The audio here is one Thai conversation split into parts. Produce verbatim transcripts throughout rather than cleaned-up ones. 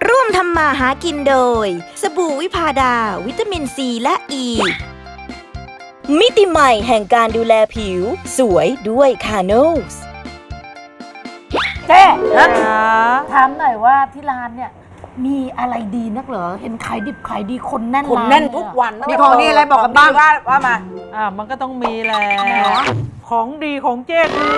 ร่วมทำมาหากินโดยสบู่วิพาดาวิตามินซีและอ e. ีมิติใหม่แห่งการดูแลผิวสวยด้วยคาโนสเจ๊ถามหน่อยว่าที่ร้านเนี่ยมีอะไรดีนักเหรอเห็นขายดิบขายดีคนแน่นคนแน่นทุกวันมีของดีอะไรบอกกันบ้างว่าว่ามาอ่ามันก็ต้องมีแหละของดีของเจ๊คือ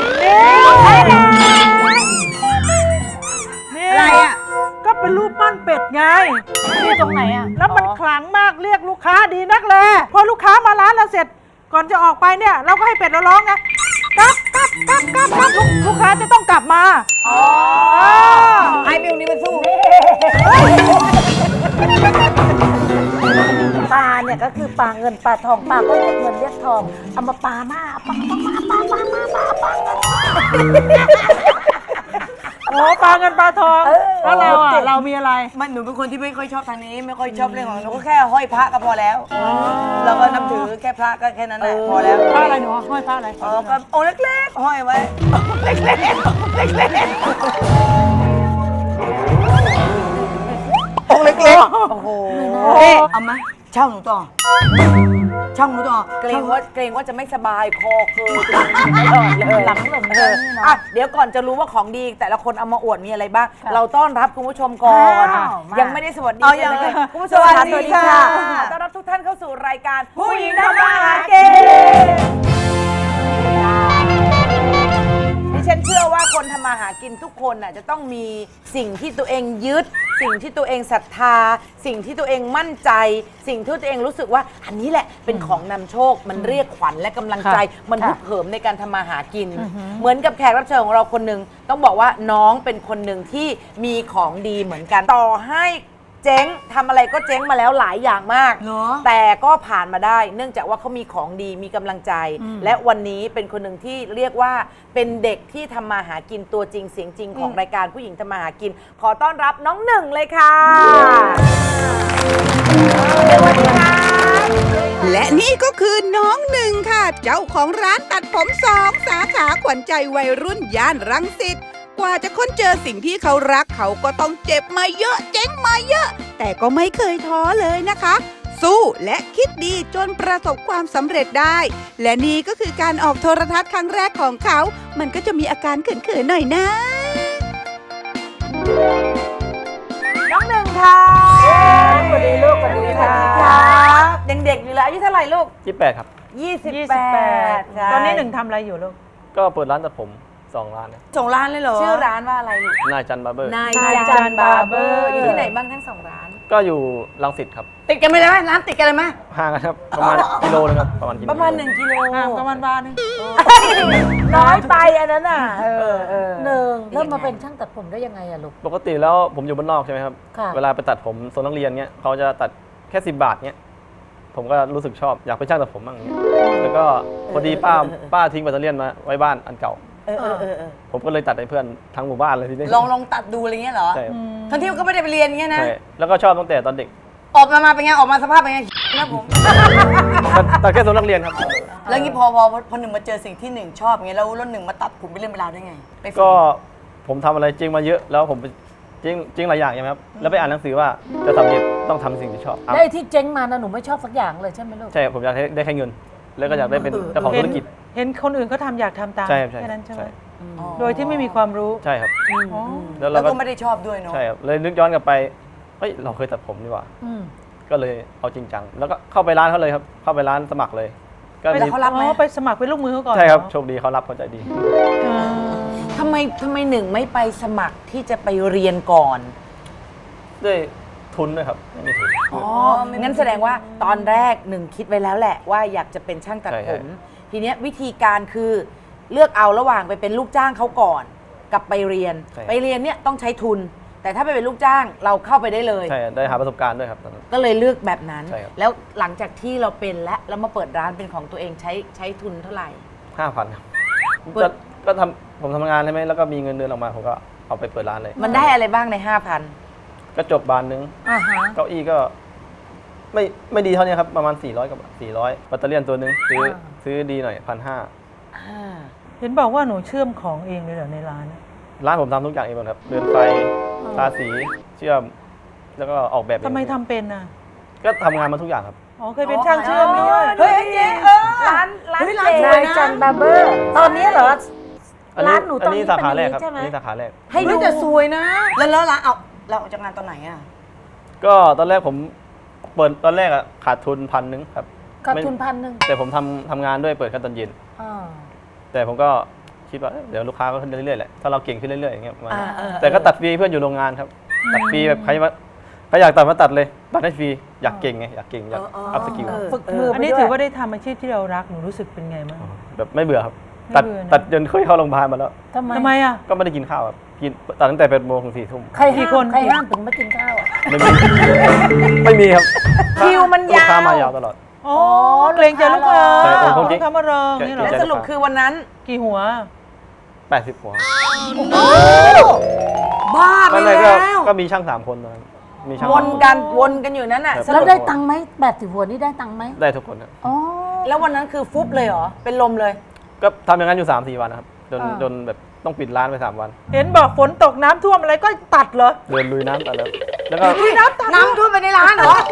นี่อะไรอ่ะก็เป็นรูปปั้นเป็ดไงที่ตรงไหนอ่ะแล้วมันขลังมากเรียกลูกค้าดีนักเลยพอลูกค้ามาร้านเราเสร็จก่อนจะออกไปเนี่ยเราก็ให้เป็ดเราร้องไงกลับกลับกลับกลับกลับลูกค้าจะต้องกลับมาอ๋อไอ้มิวนี่มันสู้ปลาเนี่ยก็คือปลาเงินปลาทองปลาก็เรียกเงินเรียกทองเอามาปลาหน้าปลาปลาปลาปลาปลาปลาปลาโอ้ปลาเงินปลาทองแล้วเราอ่ะเรามีอะไรมันหนูเป็นคนที่ไม่ค่อยชอบทางนี้ไม่ค่อยชอบเรื่องของหนูก็แค่ห้อยพระก็พอแล้วเราก็นับถือแค่พระก็แค่นั้นแหละพอแล้วพระอะไรหนูห้อยพระอะไรอ๋อก็องค์เล็กๆห้อยไว้เล็กๆเล็กๆองค์เล็กๆโอ้โหเอามาเช่าหนูต่อช่างหนูต่อเกรงว่าเกรงว่าจะไม่สบายคอเคยเลยหลังหลงเลยอ่ะเดี๋ยวก่อนจะรู้ว่าของดีแต่ละคนเอามาอวดมีอะไรบ้างเราต้อนรับคุณผู้ชมก่อนยังไม่ได้สวัสดีเลยคุณผู้ชมสวัสดีค่ะต้อนรับทุกท่านเข้าสู่รายการผู้หญิงทำมาหากินดิฉันเชื่อว่าคนทำมาหากินทุกคนน่ะจะต้องมีสิ่งที่ตัวเองยึดสิ่งที่ตัวเองศรัทธาสิ่งที่ตัวเองมั่นใจสิ่งที่ตัวเองรู้สึกว่าอันนี้แหละเป็นของนำโชคมันเรียกขวัญและกำลังใจมันฮึกเหิมในการทำมาหากินเหมือนกับแขกรับเชิญของเราคนหนึ่งต้องบอกว่าน้องเป็นคนหนึ่งที่มีของดีเหมือนกันต่อให้เจ๊งทำอะไรก็เจ๊งมาแล้วหลายอย่างมากแต่ก็ผ่านมาได้เนื่องจากว่าเขามีของดีมีกำลังใจและวันนี้เป็นคนหนึ่งที่เรียกว่าเป็นเด็กที่ทำมาหากินตัวจริงเสียงจริงของรายการผู้หญิงทำมาหากินขอต้อนรับน้องหนึ่งเลยค่ะสวัสดีค่ะและนี่ก็คือน้องหนึ่งค่ะเจ้าของร้านตัดผมสองสาขาขวัญใจวัยรุ่นย่านรังสิตกว่าจะค้นเจอสิ่งที่เขารักเขาก็ต้องเจ็บมาเยอะเจ๊งมาเยอะแต่ก็ไม่เคยท้อเลยนะคะสู้และคิดดีจนประสบความสำเร็จได้และนี่ก็คือการออกโทรทัศน์ครั้งแรกของเขามันก็จะมีอาการเขินๆหน่อยนะน้องหนึ่งค่ะสวัสดีลูกสวัสดีค่ะยังเด็กอยู่เลยอายุเท่าไหร่ลูกยี่สิบแปดครับยี่สิบแปดตอนนี้หนึ่งทำอะไรอยู่ลูกก็เปิดร้านตัดผมสองร้านนะสองร้านเลยเหรอชื่อร้านว่าอะไรลูกนายจันบาร์เบอร์นายจันบาร์เบอร์อยู่ที่ไหนบ้างทั้งสองร้านก็อยู่รังสิตครับติดกันไหมล่ะร้านติดกันเลยไหมห่างกันครับประมาณกิโลนึงครับประมาณกิโลประมาณหนึ่งกิโลประมาณบาทนึงน้อยไปอันนั้นน่ะเออเออหนึ่งเริ่มมาเป็นช่างตัดผมได้ยังไงอะลูกปกติแล้วผมอยู่บ้านนอกใช่ไหมครับเวลาไปตัดผมโซนนักเรียนเงี้ยเขาจะตัดแค่สิบบาทเงี้ยผมก็รู้สึกชอบอยากเป็นช่างตัดผมบ้างเงี้ยแล้วก็พอดีป้าป้าทิ้งแบตเตอรี่มาไว้บ้านอันเก่าเออเออเออผมก็เลยตัดให้เพื่อนทั้งหมู่บ้านเลยทีนี้ลองลองตัดดูอะไรเงี้ยเหรอใช่ทั้งที่ก็ไม่ได้ไปเรียนเงี้ยนะใช่แล้วก็ชอบตั้งแต่ตอนเด็กออกมามาเป็นไงออกมาสภาพเป็นไงนะผมตัดแค่โซนนักเรียนครับแล้วงี้พอพอพอหนึ่งมาเจอสิ่งที่หนึ่งชอบเงี้ยแล้วแล้วหนึ่งมาตัดผมไปเรื่องเวลาได้ไงก็ผมทำอะไรจริงมาเยอะแล้วผมจริงจริงหลายอย่างใช่ไหมครับแล้วไปอ่านหนังสือว่าจะทำเนี่ยต้องทำสิ่งที่ชอบได้ที่เจ๊งมานะหนูไม่ชอบสักอย่างเลยใช่ไหมลูกใช่ผมอยากได้แค่เงินแล้วก็อยากได้เป็นเจ้าของธุรกิจเห็นคนอื่นเขาทำอยากทำตามแค่นั้นใช่ไหมโดยที่ไม่มีความรู้ใช่ครับแล้วเราก็ไม่ได้ชอบด้วยเนาะใช่ครับเลยนึกย้อนกลับไปเฮ้ยเราเคยตัดผมดีกว่าก็เลยเอาจริงจังแล้วก็เข้าไปร้านเขาเลยครับเข้าไปร้านสมัครเลยก็เขารับไหมไปสมัครเป็นลูกมือเขาก่อนใช่ครับโชคดีเขารับเขาใจดีทำไมทำไมหนึ่งไม่ไปสมัครที่จะไปเรียนก่อนด้วยทุนด้วยครับไม่มีทุนอ๋องั้นแสดงว่าตอนแรกหนึ่งคิดไว้แล้วแหละว่าอยากจะเป็นช่างตัดผมทีเนี้ยวิธีการคือเลือกเอาระหว่างไปเป็นลูกจ้างเขาก่อนกับไปเรียนไปเรียนเนี่ยต้องใช้ทุนแต่ถ้าไปเป็นลูกจ้างเราเข้าไปได้เลยใช่ได้หาประสบการณ์ด้วยครับก็เลยเลือกแบบนั้นแล้วหลังจากที่เราเป็นแล้วแล้วมาเปิดร้านเป็นของตัวเองใช้ใช้ทุนเท่าไหร่ห้าพันครับก็ทำผมทำงานใช่ไหมแล้วก็มีเงินเดือนออกมาผมก็เอาไปเปิดร้านเลยมันได้อะไรบ้างในห้าพันกระจกบานนึงเก้าอี้ก็ไม่ไม่ดีเท่านี้ครับประมาณสี่ร้อยกับสี่ร้อยแบตเตอรี่ตัวนึงซื้อซื้อดีหน่อยพันห้าเห็นบอกว่าหนูเชื่อมของเองเลยเหรอในร้านร้านผมทำทุกอย่างเองหมดครับเรือนไฟทาสีเชื่อมแล้วก็ออกแบบเองทำไมทำเป็นอ่ะก็ทำงานมาทุกอย่างครับอ๋อเคยเป็นช่างเชื่อมด้วยเฮ้ยเจ๊เออร้านร้านเจ๊นายจันบาร์เบอร์ ตอนนี้เหรออันนี้ร้านหนูตอนนี้อันนี้สาขาแรกครับเป็นอย่างนี้ใช่ไหมอันนี้สาขาแรกให้ดูจะสวยนะแล้วแล้วร้านเอาเราออกจากงานตอนไหนอ่ะก็ตอนแรกผมเปิดตอนแรกอะขาดทุนพันหนึ่งครับขาดไม่ทุนพันหนึ่งแต่ผมทำทำงานด้วยเปิดแค่ตอนเย็นอ่าแต่ผมก็คิดว่าเอ้ยเดี๋ยวลูกค้าก็ขึ้นเรื่อยๆแหละถ้าเราเก่งขึ้นเรื่อยๆอย่างเงี้ยประมาณอ่านั้นเออแต่ก็ตัดฟรีเพื่อนอยู่โรงงานครับ ตัดฟรีแบบใครมาใครอยากตัดมาตัดเลยตัดให้ฟรีอยากเก่งไงอยากเก่งอยากอัพสกิลฝึกมืออัอันนี้ถือว่าได้ทำอาชีพที่เรารักหนูรู้สึกเป็นไงบ้างแบบไม่เบื่อครับไม่ตัดเบื่อนะตัดจนเคยเข้าโรงพยาบาลมาแล้วทำไมทำไมอ่ะก็ไม่ได้กินข้าวครับกินตัดตั้งแต่แปดโมงถึงสี่ทุ่มใครกี่ห้ามคนใครห้ามถึงไม่กินข้าวอ่ะไม่มี ไม่มีครับคิวมันลูกยาวค้ามายาวตลอดอ๋อเกรงใจลูกค้าใช่ผมคงจริลูงกค้ามารออย่างนี้เหรอใช่แล้วสรุปคือวันนั้นกี่หัวแปดสิบหัวบ้าไปไม่ไม่ก็แล้วก็มีช่างสามคนตอนนั้นมีช่างวนกันวนกันอยู่นั้นน่ะครับสแล้วรุปได้ตังค์ไหมแปดสิบหัวนี่ได้ตังค์ไหมได้ทุกคนครับอ๋อแล้ววันนั้นคือฟุบเลยเหรอ เป็นลมเลยก็ทำอย่างนั้นอยู่สามสี่วันนะครับจนอ่าจนแบบต้องปิดร้านไปสามวันเห็นบอกฝนตกน้ำท่วมอะไรก็ตัดเหรอเดินลุยน้ำตัดแล้วแล้วก็น้ำตัดน้ำท่วมไปในร้านเหรอ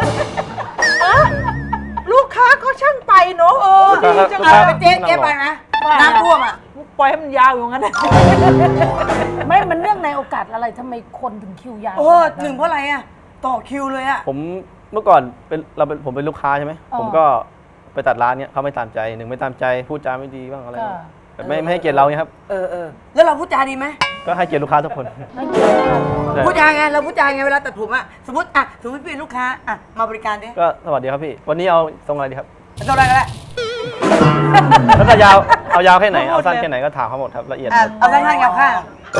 ลูกค้าเขาช่างไปเนอะเออดีจังลูกเลค้ายไปเจ๊เจ๊ไปไหมน้ำท่วมอ่ะปล่อยให้มันยาวอยู่งั้นนะไม่มันเรื่องในโอกาสอะไรทำไมคนถึงคิวยาวโอ้ขนาดหนึ่งเพราะอะไรอ่ะ ต่อคิวเลยอ่ะผมเมื่อก่อนเป็นเราเป็นผมเป็นลูกค้าใช่ไหมอ๋อผมก็ไปตัดร้านเนี้ยเขาไม่ตามใจหนึ่งไม่ตามใจพูดจาไม่ดีบ้างอะไรบ้างค่ะแบบไม่ไม่ให้เกียรติเราเนี่ยครับเออเออแล้วเราพูดจาดีไหมก็ให้เกียรติลูกค้าทุกคนไม่เกี่ยวกันใช่พูดจาไง เราพูดจาไงเวลาตัดผมอ่ะ สมมติอ่ะ สมมติเป็นลูกค้าอ่ะ มาบริการดิก็สวัสดีครับพี่ วันนี้เอาทรงอะไรดีครับเท่าไรก็ได้แล้วก็ยาวเอายาวแค่ไหนเอาสั้นแค่ไหนก็ถามเขาหมดครับละเอียดอ่ะ เอาสั้นๆยาวข้าง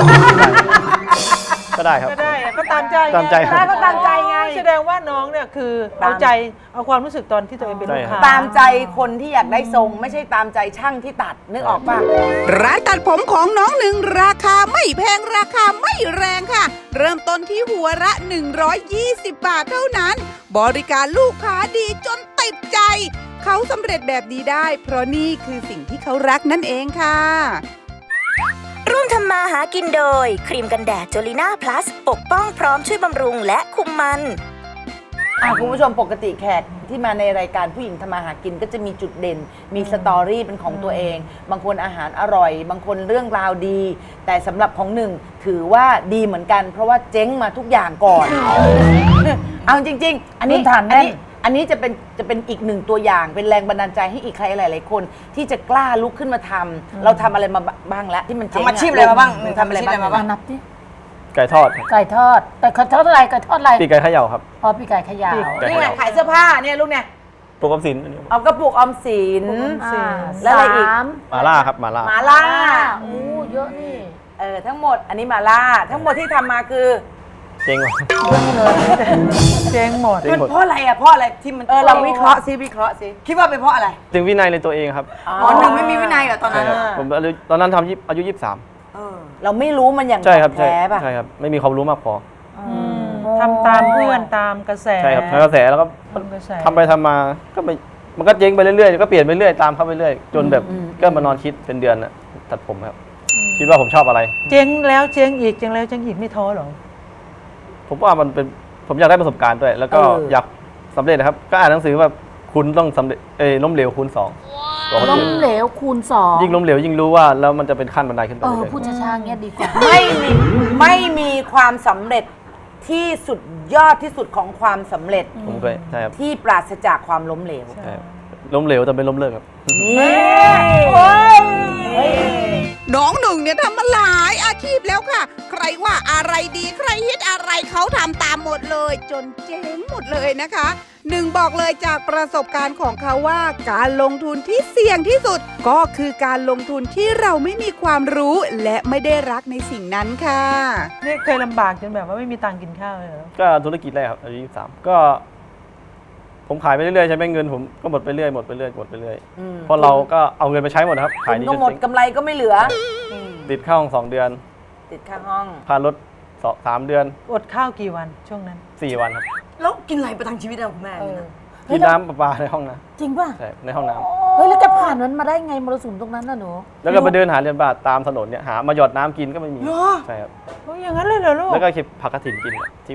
ก็ได้ครับก็ได้อะก็ตามใจไงตามใจครับก็ตามใจไงแสดงว่าน้องเนี่ยคือตามเอาใจเอาความรู้สึกตอนที่ตัวเองเป็นลูกค้าตามใจคนที่อยากได้ทรง ไม่ใช่ตามใจช่างที่ตัดนึกออกป่ะร้านตัดผมของน้องหนึ่งราคาไม่แพงราคาไม่แรงค่ะ เริ่มต้นที่หัวละ หนึ่งร้อยยี่สิบ บาทเท่านั้น บริการลูกค้าดีจนติดใจ เขาสำเร็จแบบนี้ได้ เพราะนี่คือสิ่งที่เขารักนั่นเองค่ะร่วมทำมาหากินโดย ครีมกันแดดจลิน่าพลัส ปกป้องพร้อมช่วยบำรุงและคุมมันอ่ะคุณผู้ชมปกติแขกที่มาในรายการผู้หญิงทำมาหากินก็จะมีจุดเด่น มีสตอรี่เป็นของตัวเอง บางคนอาหารอร่อย บางคนเรื่องราวดี แต่สำหรับของหนึ่งถือว่าดีเหมือนกัน เพราะว่าเจ๊งมาทุกอย่างก่อน เอาจริง ๆ อันนี้พื้นฐานอัแน่นนี้อันนี้จะเป็นจะเป็นอีกหนึ่งตัวอย่าง เป็นแรงบันดาลใจให้อีกใครหลาย ๆ คน ที่จะกล้าลุกขึ้นมาทำเราทำอะไรมาบ้างแล้วที่มันเจ๊งทำอาชีพอะไรมาบ้างหนูทำอะไรบ้างทำอาชีพอะไรมาบ้างนับดิไก่ทอดครับไก่ทอด แต่ไก่ทอดอะไรไก่ทอดอะไรปีกไก่เขย่าครับอ๋อปีกไก่ขยาวไก่นี่เขไงย่าขายเสื้อผ้าเนี่ยลูกเนี่ยปกติสินเอากระปุกออมสินอ่าแล้วอะไรอีกสามมาล่าครับมาล่าหมาล่าโอ้เยอะนี่เออทั้งหมดอันนี้หมาล่า ทั้งหมดที่ทำมาคือเจ๊งว่ะเจ๊งหมดเจ๊งหมดเพราะอะไรอ่ะ เพราะอะไรที่มันเออเราวิเคราะห์ซิวิเคราะห์ซิคิดว่าเป็นเพราะอะไรถึงวินัยในตัวเองครับอ๋อหนึ่งไม่มีวินัยเหรอตอนใช่นั้นครับผมอายุตอนนั้นทำยี่อายุยี่สิบสามเออเราไม่รู้มันอย่างใช่ครับใช่แท้ป่ะใช่ครับไม่มีความรู้มากพอทำตามเพื่อนตามกระแสใช่ครับทางกระแสแล้วก็ตามกระแสทำไปทำมาก็ไม่มันก็เจ๊งไปเรื่อยๆก็เปลี่ยนไปเรื่อยตามเข้าไปเรื่อยจนแบบก็มานอนคิดเป็นเดือนน่ะตัดผมครับ คิดว่าผมชอบอะไรเจ๊งแล้วเจ๊งอีกเจ๊งแล้วเจ๊งอีกไม่ท้อหรอผมว่ามันเป็นผมอยากได้ประสบการณ์ด้วย แล้วก็อยากสำเร็จนะครับ ก็อ่านหนังสือว่าคุณต้องสำเร็จเอ้ยล้มเหลวคูณสองบอกคนล้มอื่นเหลวคูณสองยิ่งล้มเหลวยิ่งรู้ว่าแล้วมันจะเป็นขั้นบันไดขึ้นไปเออเรื่อยพูดช้าๆเงี้ยดีกว่าไม่มีไม่มีความสำเร็จที่สุดยอดที่สุดของความสำเร็จๆผมเคยใช่ครับที่ปราศจากความล้มเหลวใช่ครับล้มเหลวแต่ไม่ล้มเลิกครับนี่น้องหนึ่งเนี่ยทำมาหลายอาชีพแล้วค่ะ ใครว่าอะไรดีใครฮิตอะไรเขาทำตามหมดเลย จนเจ๊งหมดเลยนะคะหนึ่งบอกเลยจากประสบการณ์ของเขาว่าการลงทุนที่เสี่ยงที่สุด ก็คือการลงทุนที่เราไม่มีความรู้และไม่ได้รักในสิ่งนั้นค่ะนี่เคยลำบากจนแบบว่าไม่มีตังค์กินข้าวเลยเหรอก็ธุรกิจแรกครับอายุยี่สิบสามก็ ผมขายไปเรื่อยๆใช่ไหมเงินผมก็หมดไปเรื่อยหมดไปเรื่อยหมดไปเรื่อยอืมเพราะเราก็เอาเงินไปใช้หมดนะครับขายดีก็จนหมดเจ๊งกำไรก็ไม่เหลือติดค่าห้องสองเดือนติดค่าห้องค่ารถสองสามเดือนอดข้าวกี่วันช่วงนั้นสี่วันครับแล้วกินอะไรประทังชีวิตอะคุณแม่เนี่ยนะกินน้ำประปาในห้องนะจริงป่ะใช่ในห้องน้เฮ้ยแล้วจะผ่านมันมาได้ไงมรสุมตรงนั้นน่ะหนูำแล้วก็ไปเดินหาเรียนบาทตามถนนเนี่ยหามาหยอดน้ำกินก็ไม่มีเหรอใช่ครับโอ้ยอย่างนั้นเลยเหรอลูกแล้วก็เก็บผักกระถิ่นกินอะที่ว่า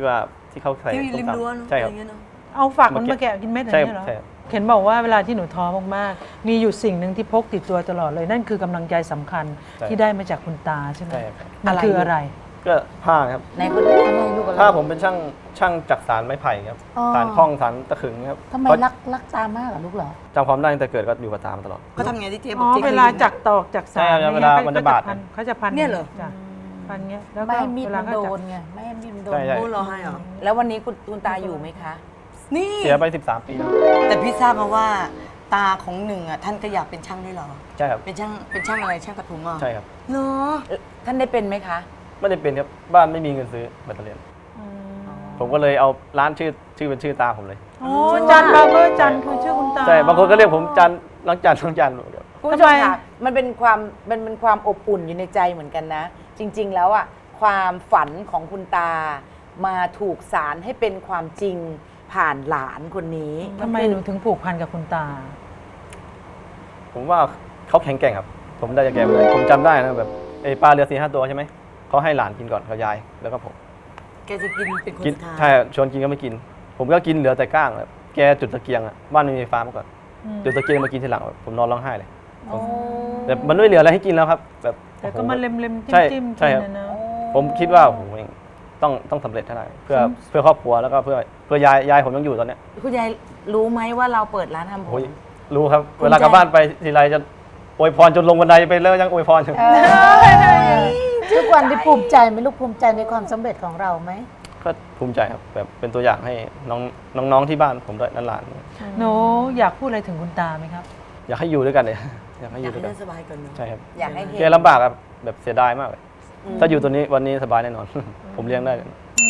ที่เขาใส่ที่ส้ริมมตำรั้วใช่ครับอะไรเงี้ยเนอะเอาฝักมันมาแกะกินเม็ดอย่างใช่นี้เหรอใช่ครับเห็นบอกว่าเวลาที่หนูท้อมากๆ มีอยู่สิ่งหนึ่งที่พกติดตัวตลอดเลย นั่นคือกำลังใจสำคัญใช่ที่ได้มาจากคุณตาใช่ไหมใช่ครับมันคืออะไรก็ผ้าครับในคนนี้อะไรลูกอะไรผ้าผมเป็นช่างช่างจักสานไม้ไผ่ครับอ๋อสานคล้องสานตะขึงครับทำไมเพราะรักรักตามากเหรอลูกเหรอจำความได้ตั้งแต่เกิดก็อยู่กับตามาตลอดเขาทำไงที่เจ๊บอ๋อกอเจ๊เวลาจักตอกจักสานใช่ครับนี่ยเวลาขมันจะบาดพันเขาจะพันเนี่ยเหรอจ้ะพันเงี้ยแล้วก็ไม่ให้มีดเวลามันเขาโดจับนไงไม่ให้มีดมันโดนใช่ใช่โอ้เหรอให้เหรอแล้ววันนี้คุณคุณตาอยู่ไหมคะนี่เสียไปสิบสามปีแล้วแต่พี่ทราบมาว่าตาของหนึ่งอ่ะท่านก็อยากเป็นช่างด้วยเหรอใช่ครับเป็นช่างเป็นช่างอะไรช่างตัดผมอ่ะใช่ครับเหรอท่านได้เป็นไหมคะไม่ได้เป็นครับบ้านไม่มีเงินซื้อแบตเตอรี่ผมก็เลยเอาร้านชื่อชื่อเป็นชื่อตาผมเลยโอ้จันบาร์เบอร์จันคือชื่อคุณตาใช่บางคนก็เรียกผมจันล้างจานล้างจานคุณผู้ชมค่ะมันเป็นความมันเป็นความอบอุ่นอยู่ในใจเหมือนกันนะ จริง ๆ แล้วอ่ะความฝันของคุณตามาถูกสารให้เป็นความจริงผ่านหลานคนนี้ทำไมหนูถึงผูกพันกับคุณตาผมว่าเขาแข็งแกร่งครับ ผมได้จากแกมาเลยผมจำได้นะแบบไอ้ปลาเรือสี่ห้าตัวใช่ไหมเขาให้หลานกินก่อนเขายายแล้วก็ผมแกจะกินเป็นคนกินสุดท้ายใช่ชวนกินก็ไม่กิน ผมก็กินเหลือแต่ก้างแบบแกจุดตะเกียงอ่ะบ้านไม่มีไฟฟ้ามาก่อนอืมจุดตะเกียงมากินทีหลังแบบผมนอนร้องไห้เลยแต่มันไม่เหลืออะไรให้กินแล้วครับแบบแต่ก็มาเล็มเล็มๆใช่จิ้มๆใช่กินครับนะเนอะผมคิดว่าโอ้โหต้องต้องสำเร็จเท่าไหร่เพื่อเพื่อครอบครัวแล้วก็เพื่อเพื่อยายยายผมยังอยู่ตอนเนี้ยคุณยายรู้ไหมว่าเราเปิดร้านทำผโอ้มยรู้ครับ เวลากลับบ้านไปทีไรจะอวยพรจนลงบันไดไปแล้วยังอวยพรอยู่ทุกวันที่ภูมิใจไหมลูกภูมิใจในความสำเร็จของเราไหมก็ภูมิใจครับแบบเป็นตัวอย่างให้น้องน้องๆที่บ้านผมด้วยหลานหนูอยากพูดอะไรถึงคุณตาไหมครับๆอยากให้อยู่ด้วยกันเลย อยากให้ออยายู่กด้วยให้กันเดินสบายก่อนเนอะใช่ครับอยากให้เห็แกนลำบากครับแบบเสียดายมากเลย ถ้าอยู่ตัวนี้วันนี้สบายแน่นอน ผมเลี้ยงได้เลย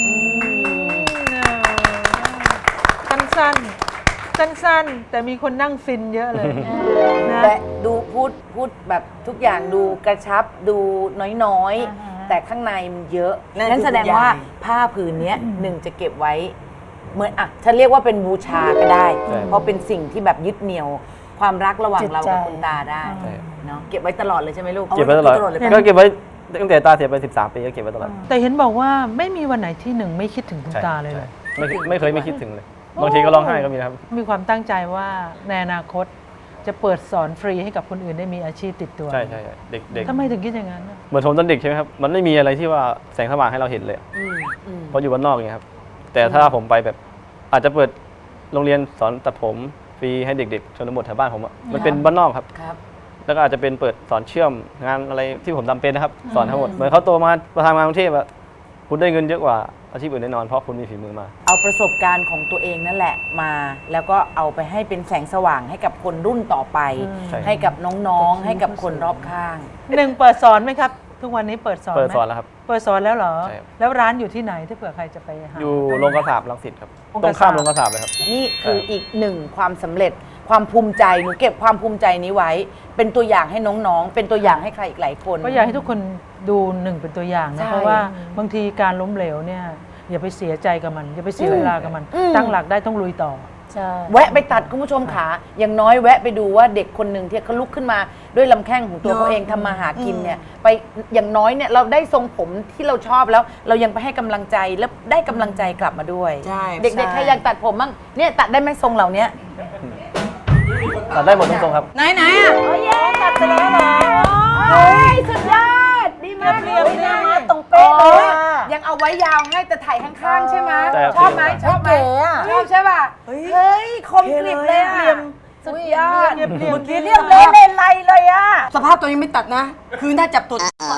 สั้นๆ สั้นๆ แต่มีคนนั่งฟินเยอะเลยนะแต่ดูพูดพูดแบบทุกอย่างดูกระชับดูน้อยๆ แต่ข้างในมันเยอะนั่นนั่นคือแสดงว่าคุณยายผ้าผืนเนี้ยหนึ่งจะเก็บไว้เหมือนอ่ะฉันเรียกว่าเป็นบูชาก็ได้ เพราะเป็นสิ่งที่แบบยึดเหนี่ยว ความรักระหว่างเรากับคุณตาได้ใช่เนาะเก็บไว้ตลอดเลยใช่ไหมลูกเก็บไว้ตลอดตลอดเลยก็เก็บไว้ตั้งแต่ตาเสียไปสิบสามปีก็เก็บไว้ตลอดแต่เห็นบอกว่าไม่มีวันไหนที่หนึ่งไม่คิดถึงคุณใช่ตาเลยเหรอใช่ไม่ไม่เคยไม่คิดถึงเลย บางทีก็ร้องไห้ก็มีนะครับมีความตั้งใจว่าในอนาคตจะเปิดสอนฟรีให้กับคนอื่นได้มีอาชีพติดตัวใช่ใช่ใช่เด็กเด็กทำไมถึงคิดอย่างนั้นน่ะเหมือนผมตอนเด็กใช่ไหมครับ มันไม่มีอะไรที่ว่าแสงสว่างให้เราเห็นเลยอะเพราะอยู่บ้านนอกอย่างเงี้ยครับ แต่ถ้าผมไปแบบ อาจจะเปิดโรงเรียนสอนตัดผมฟรีให้เด็กๆชนบทแถวบ้านผมอะมันเป็นบ้านนอกครับครับแล้วก็อาจจะเป็นเปิดสอนเชื่อมงานอะไรที่ผมทำเป็นนะครับ สอนทั้งหมด เหมือนเขาโตมามาทำงานกรุงเทพอะคุณได้เงินเยอะกว่าอาชีพอื่นแน่นอนเพราะคุณมีฝีมือมาเอาประสบการณ์ของตัวเองนั่นแหละมา แล้วก็เอาไปให้เป็นแสงสว่างให้กับคนรุ่นต่อไปใช่ให้กับน้องๆ ให้กับคนรอบข้างหนึ่งเปิดสอนไหมครับ ทุกวันนี้เปิดสอนไหมเปิดสอนแล้วครับเปิดสอนแล้วเหรอใช่ครับแล้วร้านอยู่ที่ไหนถ้าเผื่อใครจะไปหาอยู่โรงกระสาบรังสิตครับโรงตกรระงสาบข้ามโรงกระสาบเลยครับนี่คืออีกหนึ่งความสำเร็จความภูมิใจหนูเก็บความภูมิใจนี้ไว้ เป็นตัวอย่างให้น้องๆ เป็นตัวอย่างให้ใครอีกหลายคนก็อยากให้ทุกคนดูหนึ่งเป็นตัวอย่างใช่นะเพราะว่าบางทีการล้มเหลวเนี่ยอย่าไปเสียใจกับมัน อย่าไปเสียอืมเวลากับมันอืมตั้งหลักได้ต้องลุยต่อใช่แวะไปตัดคุณผู้ชมขาอย่างน้อยแวะไปดูว่าเด็กคนหนึ่งที่เขาลุกขึ้นมาด้วยลำแข้งของตัวเนอะเขาเองทำมาหากินเนี่ยไปอย่างน้อยเนี่ยเราได้ทรงผมที่เราชอบแล้ว เรายังไปให้กำลังใจแล้วได้กำลังใจกลับมาด้วยใช่เด็กๆใครอยากตัดผมบ้างเนี่ยตัดได้ไหมทรงเหล่านี้ตัดได้หมดทุกทรงครับไหนไหนๆอ่ะตัดไปแล้วเหรอเฮ้ยสุดยอดดีมากเรียบๆหน้ามาเลยตรงเป๊ะเลยยังเอาไว้ยาวให้แต่ถ่ายข้างๆใช่ไหมใช่ครับชอบไหมชอบไหมชอบใช่ป่ะเฮ้ยคมกริบเลยอะสุดยอดเรียบๆเมื่อกี้เรียบเลยเลยไรเลยอะสภาพตัวยังไม่ตัดนะ คือถ้าจับตัว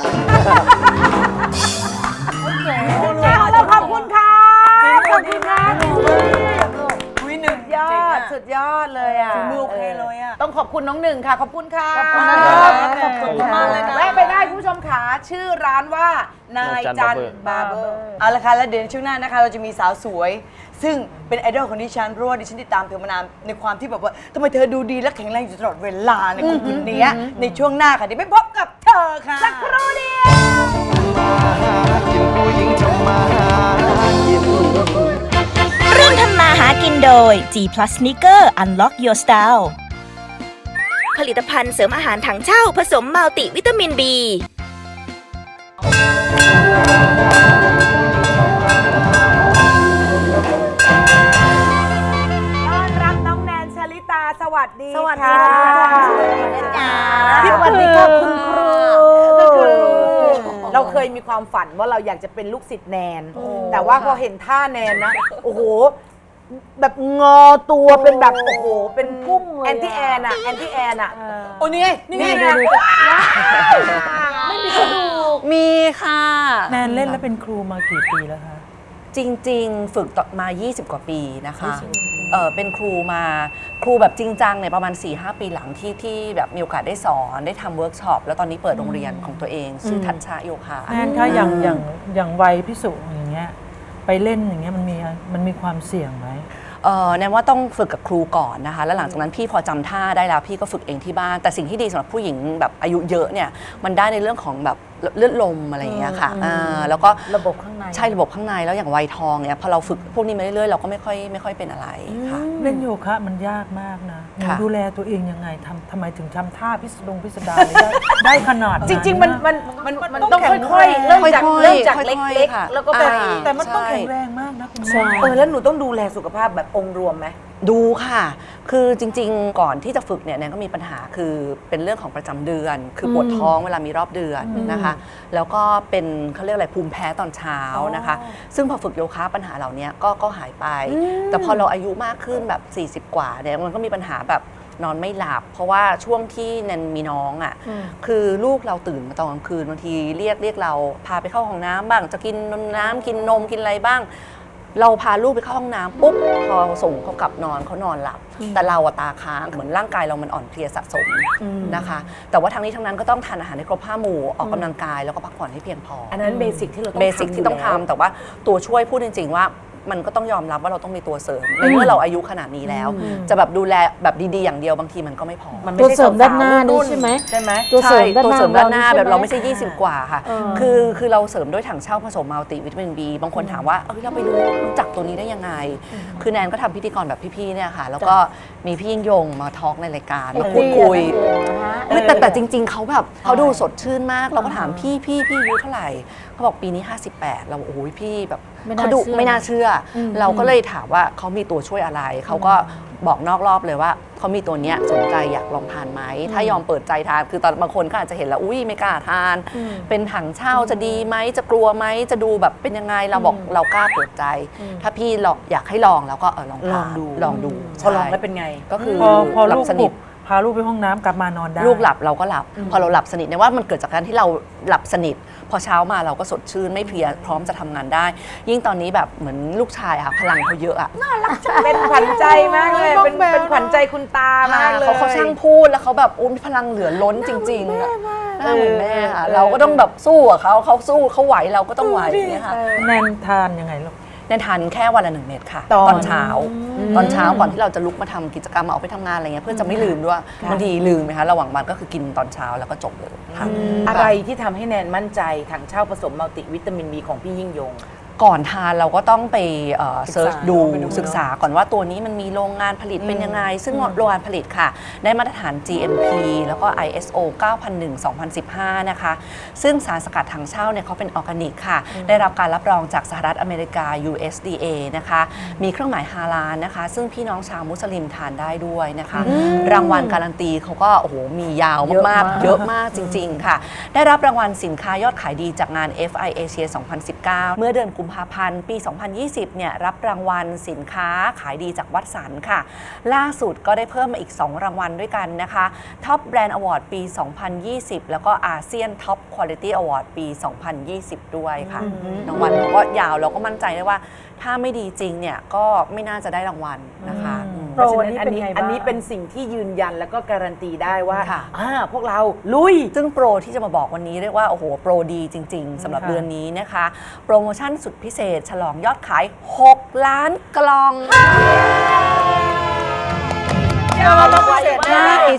เราขอบคุณค่ะขอบคุณค่ะอุ้ยหนึ่งยอเจ๋งดอะสุดยอดเลยอ่ะฝีมือโอเคเลยอะต้องขอบคุณน้องหนึ่งค่ะ ขอบคุณค่ะขอบคุณนะครับขอบคุณมากเลยนะแวะไปได้คุณผู้ชมขาชื่อร้านว่านายจันบาร์เบอร์เอาละค่ะแล้วเดี๋ยวในช่วงหน้านะคะ เราจะมีสาวสวย ซึ่งเป็นไอดอลของดิฉันเพราะว่าดิฉันติดตามเธอมานานในความที่แบบว่าทำไมเธอดูดีและแข็งแรงอยู่ตลอดเวลาในคนคนนี้ในช่วงหน้าค่ะเดี๋ยวไปพบกับเธอค่ะสักครู่เดียวร่วมทำมาหากินโดย G Plus Sneaker Unlock Your Style ผลิตภัณฑ์เสริมอาหารถังเช่าผสมมัลติวิตามิน B วัสดีสวัสดีค่ะจ้าสวัสดีค่ะคุณครูเราเคยมีความฝันว่าเราอยากจะเป็นลูกศิษย์แนน แต่ว่าพอเห็นท่าแนนนะ โอ้โห แบบงอตัวเป็นแบบ โอ้โห เป็นพุ่งแอนตี้แอนอะแอนตี้แอนอะโอ้นี่ไงนี่ไงนี่ไงไม่มีกระดูกมีค่ะแนนเล่นแล้วเป็นครูมากี่ปีแล้วคะจริงๆ ฝึกต่อมา ยี่สิบ กว่าปีนะคะเออเป็นครูมาครูแบบจริงจังเนี่ยประมาณ สี่ห้า ปีหลังที่ที่แบบมีโอกาสได้สอนได้ทำเวิร์กช็อปแล้วตอนนี้เปิดโรงเรียนของตัวเองชื่อทัชชะโยคะแนนคะอย่างอย่างอย่างวัยพิสุอย่างเงี้ยไปเล่นอย่างเงี้ยมันมีมันมีความเสี่ยงไหมเออแนนว่าต้องฝึกกับครูก่อนนะคะแล้วหลังจากนั้นพี่พอจำท่าได้แล้วพี่ก็ฝึกเองที่บ้านแต่สิ่งที่ดีสำหรับผู้หญิงแบบอายุเยอะเนี่ยมันได้ในเรื่องของแบบเลือดลมอะไรอย่างเงี้ยค่ะอ่าแล้วก็ระบบข้างในใช่ระบบข้างในแล้วอย่างวัยทองเนี่ยพอเราฝึกพวกนี้มาเรื่อยๆเราก็ไม่ค่อยไม่ค่อยเป็นอะไรค่ะเล่นโยคะมันยากมากนะหนูค่ะดูแลตัวเองยังไงทำทำไมถึงทำท่าพิสดงพิสดารเลยได้ได้ขนาดจริง ๆ มันมันมันมันต้องค่อยๆ เริ่มจากค่อยๆเริ่มจากค่อยๆเล็กค่ะๆ แล้วก็แบบอ่าแต่มันต้องใช่แข็งแรงมากนะคุณแม่เออแล้วหนูต้องดูแลสุขภาพแบบองค์รวมไหมดูค่ะ คือจริงๆ ก่อนที่จะฝึกเนี่ยแนนก็มีปัญหาคือเป็นเรื่องของประจำเดือน คือปวดท้องเวลามีรอบเดือนนะคะ แล้วก็เป็นเขาเรียกอะไรภูมิแพ้ตอนเช้านะคะ ซึ่งพอฝึกโยคะปัญหาเหล่านี้ก็ก็หายไป แต่พอเราอายุมากขึ้นแบบ สี่สิบ กว่าเนี่ยมันก็มีปัญหาแบบนอนไม่หลับ เพราะว่าช่วงที่แนนมีน้องอ่ะคือลูกเราตื่นมาตอนกลางคืนบางทีเรียกเรียกเราพาไปเข้าห้องน้ำบ้างจะกินน้ำกินนมกินอะไรบ้าง เราพาลูกไปเข้าห้องน้ำปุ๊บพอส่งเขากลับนอนเขานอนหลับ แต่เราอะตาค้างเหมือนร่างกายเรามันอ่อนเพลียสะสมนะคะ แต่ว่าทั้งนี้ทั้งนั้นก็ต้องทานอาหารให้ครบห้าหมู่ออกกำลังกายแล้วก็พักผ่อนให้เพียงพออันนั้นเบสิกที่เราต้องเบสิกที่ต้องยู่แล้วทำแต่ว่าตัวช่วยพูดจริง ๆ ว่ามันก็ต้องยอมรับว่าเราต้องมีตัวเสริมในเมื่อเราอายุขนาดนี้แล้ว จะแบบดูแลแบบดีๆอย่างเดียวบางทีมันก็ไม่พอมันตัวไม่ใช่เสริมด้านหน้าสวๆนี่ใช่ไหมใช่ไหมตัวเสริมด้านตัวหน้าเสริมด้านหน้าของแบบเราไม่ใช่ใช่ไหยี่สิบ กว่าค่ะ คือคือเราเสริมด้วยถังเช่าผสมมัลติวิตามิน B บางคนถามว่าเอ้ยเราไปรู้รู้จักตัวนี้ได้ยังไง คือแนนก็ทำพิธีกรแบบพี่ๆเนี่ยค่ะ แล้วก็มีพี่ยิ่งยงมาทอล์กในรายการมาพูดคุยไม่แต่แต่จริง ๆเขาแบบเขาดูสดชื่นมาก เราก็ถามพี่พี่พี่อายุเท่าไหร่เขาบอกปีนี้ห้าสิบแปดเราโอ้ยพี่แบบไม่น่าเขาดูเชื่อไม่น่าเชื่ออเราก็เลยถามว่าเขามีตัวช่วยอะไรเขาก็บอกนอกรอบเลยว่าเขามีตัวเนี้ยสนใจอยากลองทานไหมถ้ายอมเปิดใจทานคือตอนบางคนก็อาจจะเห็นแล้วอุ้ยไม่กล้าทาน เป็นถังเช่าจะดีไหมจะกลัวไหมจะดูแบบเป็นยังไงเราบอกเรากล้าเปิดใจ ถ้าพี่ลองอยากให้ลองแล้วก็เออลองทานลองดูลองดูพอลองใช่แล้วเป็นไงก็คือพอพอหลัลูบกสปนิลุทกพาลูกไปห้องน้ำกลับมานอนได้ลูกหลับเราก็หลับ พอเราหลับสนิทเนี่ยว่ามันเกิดจากการที่เราหลับสนิท พอเช้ามาเราก็สดชื่นไม่เพลียพร้อมจะทำงานได้ ยิ่งตอนนี้แบบเหมือนลูกชายอะค่ะพลังเขาเยอะอะเป็นขวัญใจมากเลย เป็นเป็นขวัญใจคุณตามากเลยเขาเขาช่างพูดแล้วเขาแบบอุ้มพลังเหลือล้นจริงๆอะหน้าเหมือนแม่ค่ะเราก็ต้องแบบสู้กับเขาเขาสู้เขาไหวเราก็ต้องไหวอย่างเงี้ยค่ะแนนทานยังไงลูกแนนทานแค่วันละหนึ่งเม็ดค่ะตอนตอนเช้า ตอนเช้าก่อนที่เราจะลุกมาทำกิจกรรมมาออกไปทำงานอะไรเงี้ยเพื่อจะไม่ลืมด้วยบางทีลืมไหมคะระหว่างวันก็คือกินตอนเช้าแล้วก็จบเลยค่ะอะไรที่ทำให้แนนมั่นใจถังเช่าผสมมัลติวิตามิน B ของพี่ยิ่งยงก่อนทานเราก็ต้องไปเซิร์ชดูไปดูศึกษาก่อนว่าตัวนี้มันมีโรงงานผลิตเป็นยังไง ซึ่งโรงงานผลิตค่ะ ได้มาตรฐาน จี เอ็ม พี แล้วก็ ไอ เอส โอ เก้าพันหนึ่ง สองพันสิบห้า นะคะ ซึ่งสารสกัดถังเช่าเนี่ยเขาเป็นออร์แกนิกค่ะ ได้รับการรับรองจากสหรัฐอเมริกา ยู เอส ดี เอ นะคะ มีเครื่องหมายฮาลาลนะคะ ซึ่งพี่น้องชาวมุสลิมทานได้ด้วยนะคะ รางวัลการันตีเขาก็โอ้โหมียาวมากๆ เยอะมากจริง ๆ ค่ะ ได้รับรางวัลสินค้ายอดขายดีจากงาน เอฟ ไอ Asia สองพันสิบเก้า เมื่อเดือนกุมภาพันธ์ปี สองพันยี่สิบ เนี่ยรับรางวัลสินค้าขายดีจากวัดสันค่ะ ล่าสุดก็ได้เพิ่มมาอีก สอง รางวัลด้วยกันนะคะ Top Brand Award ปี สองพันยี่สิบ แล้วก็อาเซียน Top Quality Award ปี สองพันยี่สิบ ด้วยค่ะรางวัลก็ยาวเราก็มั่นใจได้ว่า ถ้าไม่ดีจริงเนี่ยก็ไม่น่าจะได้รางวัลนะคะอืมเพราะฉะนั้นโปรนี้อันเป็นนี้ไงบ้างอันนี้เป็นสิ่งที่ยืนยันแล้วก็การันตีได้ว่าค่ะอ่าพวกเราลุยซึ่งโปรที่จะมาบอกวันนี้เรียกว่า โอ้โห โปรดีจริง ๆสำหรับค่ะเดือนนี้นะคะ โปรโมชั่นสุดพิเศษ ฉลองยอดขาย หก ล้านกล่อง ใช่ใช่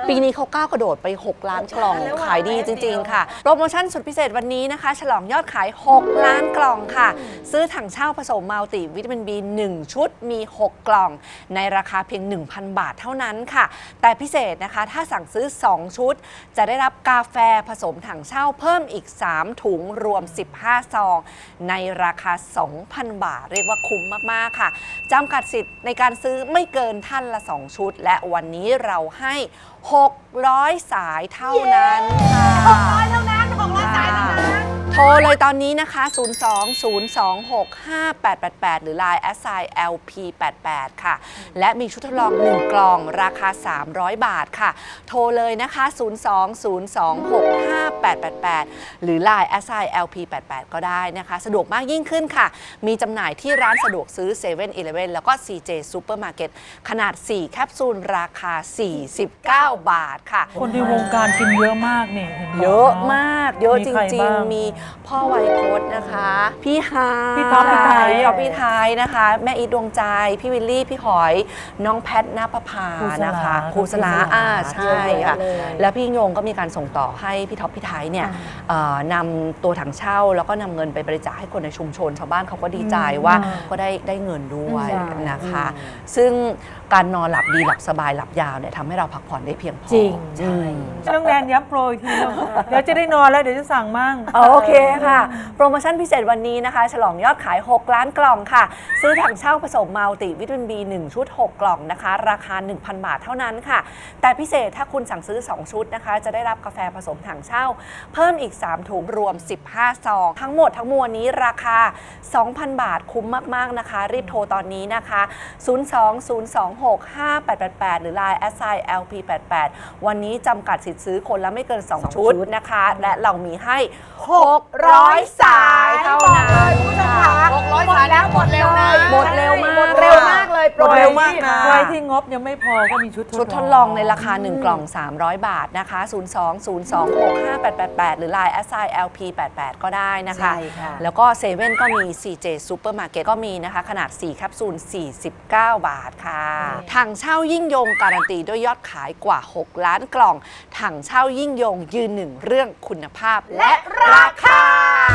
ปีนี้เขาก้าวกระโดดไป หก ล้านกล่องขายดีจริง ๆ ค่ะ โปรโมชั่นสุดพิเศษวันนี้นะคะ ฉลองยอดขาย หก ล้านกล่องค่ะ ซื้อถังเช่าผสมมัลติวิตามิน บี หนึ่ง ชุดมี หก กล่อง ในราคาเพียง หนึ่งพัน บาทเท่านั้นค่ะ แต่พิเศษนะคะถ้าสั่งซื้อ สอง ชุด จะได้รับกาแฟผสมถังเช่าเพิ่มอีก สาม ถุงรวม สิบห้า ซอง ในราคา สองพัน บาท เรียกว่าคุ้มมากๆค่ะจำกัดสิทธิ์ในการซื้อไม่เกินท่านละ สอง ชุด และวันนี้เราให้ หกร้อย สายเท่านั้นค่ะหกร้อยเท่านั้นหกร้อยสายเท่านั้นโทรเลยตอนนี้นะคะ ศูนย์ สอง ศูนย์ สอง หก ห้า แปด แปด แปด หรือ ไลน์ แอท ไซน์ แอล พี แปด แปด ค่ะ และมีชุดทดลอง หนึ่ง กล่องราคา สามร้อย บาทค่ะ โทรเลยนะคะ ศูนย์ สอง ศูนย์ สอง หก ห้า แปด แปด แปด หรือ ไลน์ แอท ไซน์ แอล พี แปด แปด ก็ได้นะคะ สะดวกมากยิ่งขึ้นค่ะ มีจำหน่ายที่ร้านสะดวกซื้อ เซเว่น อีเลฟเว่น แล้วก็ ซี เจ Supermarket ขนาด สี่ แคปซูลราคา สี่สิบเก้า บาทค่ะคนในวงการกินเยอะมากนี่ห็นบอกเยอะมาก เยอะมีจใครริงบ้างๆ มีพ่อไวยพจน์นะคะ พี่ฮายพี่ท็อปพี่ไทยพี่ท็อปพี่ไทยนะคะ แม่อีทดวงใจ พี่วิลลี่ พี่หอย น้องแพทณปภานะคะครูสลาอ่าใช่ค่ะ แล้วพี่โยงก็มีการส่งต่อให้พี่ท็อปพี่ไทยเนี่ยเอ่อนำตัวถังเช่า แล้วก็นำเงินไปบริจาคให้คนในชุมชน ชาวบ้านเขาก็ดีใจว่าก็ได้ได้เงินด้วยนะคะ ซึ่งการนอนหลับดีหลับสบายหลับยาวเนี่ยทำให้เราพักผ่อนได้เพียงพอจริงใช่น้องแนนย้ำโปรอีกทีนึงเดี๋ยวจะได้นอนแล้วเดี๋ยวจะสั่งมั่งโอเคค่ะ โปรโมชั่นพิเศษวันนี้นะคะ ฉลองยอดขาย หก ล้านกล่องค่ะ ซื้อถังเช่าผสมมัลติวิตามิน บี หนึ่ง ชุด หก กล่องนะคะ ราคา หนึ่งพัน บาทเท่านั้นค่ะ แต่พิเศษถ้าคุณสั่งซื้อ สอง ชุดนะคะ จะได้รับกาแฟผสมถังเช่า เพิ่มอีก สาม ถุงรวม สิบห้า ซอง ทั้งหมดทั้งมวลนี้ราคา สองพัน บาทคุ้มมากๆนะคะ รีบโทรตอนนี้นะคะ ศูนย์ สอง ศูนย์ สอง หก ห้า แปด แปด แปด หรือ ไลน์ แอท ไซน์ แอล พี แปด แปด วันนี้จำกัดสิทธิ์ซื้อคนละไม่เกิน สอง ชุดนะคะ และเรามีให้ หกร้อย สายเท่านั้นคุณผู้ชมคะหกร้อยสายแล้วหมดเร็วนะหมดเร็วมากหมดเร็วมากเลยโปรหมดเร็วมากนี้นะใครที่งบยังไม่พอก็มีชุดชุดทดลองในราคา หนึ่ง กล่อง สามร้อย บาทนะคะ ศูนย์ สอง ศูนย์ สอง หก ห้า แปด แปด แปด หรือ ไลน์ แอท ไซน์ แอล พี แปด แปด ก็ได้นะคะใช่ค่ะแล้วก็เซเว่นก็มี ซี เจ Supermarket ก็มีนะคะ ขนาด สี่ แคปซูล สี่สิบเก้า บาทค่ะถังเช่ายิ่งยงการันตีด้วยยอดขายกว่า หก ล้านกล่องถังเช่ายิ่งยงยืนหนึ่งเรื่องคุณภาพและราคา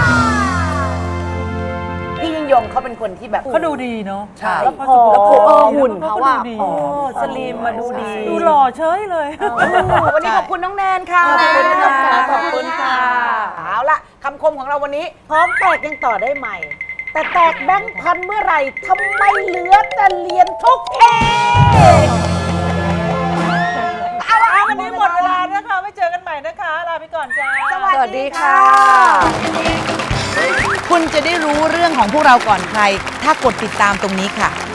พี่ยิ่งยงเขาเป็นคนที่แบบเขาดูดีเนาะใช่แล้วพอแล้วพอเออหุ่นเขาอะดูดีโอ้สลีมมาดูดีดูหล่อเฉยเลยวันนี้ขอบคุณน้องแนนค่ะขอบคุณค่ะขอบคุณค่ะ เอาละคำคมของเราวันนี้ พร้อมแตกยังต่อได้ใหม่ แต่แตกแบงค์พันเมื่อไหร่ทำไมเหลือแต่เหรียญทุกเอเอาวันนี้หมดเวลานะคะไม่เจอกันใหม่นะคะลาไปก่อนจ้าสวัสดีค่ะคุณจะได้รู้เรื่องของพวกเราก่อนใคร ถ้ากดติดตามตรงนี้ค่ะ